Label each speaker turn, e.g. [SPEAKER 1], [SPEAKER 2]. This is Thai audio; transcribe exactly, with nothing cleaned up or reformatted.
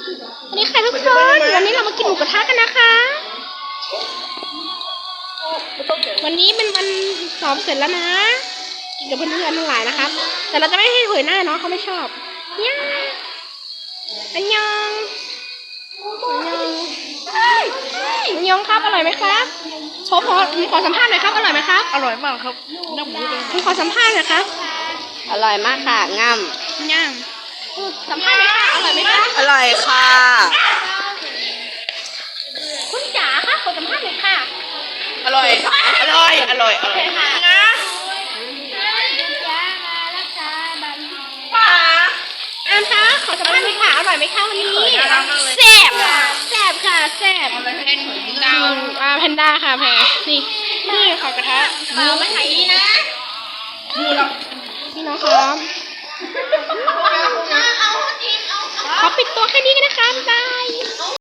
[SPEAKER 1] สวัสดีค่ะทุกคนวันนี้เรามากินหมูกระทะกันนะคะวันนี้เป็นวันสอบเสร็จแล้วนะกินกับเพื่อนๆทั้งหลายนะครับแต่เราจะไม่ให้เผยหน้าเนาะเขาไม่ชอบเนี่ยอันยองอันยองอันยองครับอร่อยไหมครับขอขอขอสัมภาษณ์หน่อยครับอร่อยไหมครับ
[SPEAKER 2] อร่อยมากครับน้ำหมูเลย
[SPEAKER 1] ผมขอสัมภาษณ์หน่อยครับ
[SPEAKER 3] อร่อยมากค่ะง่
[SPEAKER 1] ย่างสัมภาษณ์หน่อยค่ะอร่อยไหมคะ
[SPEAKER 3] ำอร่อยค่ะ
[SPEAKER 1] คุณจ๋าค่ะขอสัมภาษณ์หน่อยค่ะ
[SPEAKER 2] อร่อยอร่อยอร่อยอร่อยนะ
[SPEAKER 1] ป๋าอามคะขอสัมภาษณ์หน่อยค่ะอร่อยไหมคะวันนี้แซ่บแซ่บค่ะแซ่บ
[SPEAKER 2] เป็นเพนดาว
[SPEAKER 1] อ่าแพนด้าค่ะแพรนี่นี่ขอกระทะ
[SPEAKER 2] มือไม่ไหนดีนะมือเรา
[SPEAKER 1] พี่น้องครับขอปิดตัวแค่นี้กันนะคะบ๊ายบาย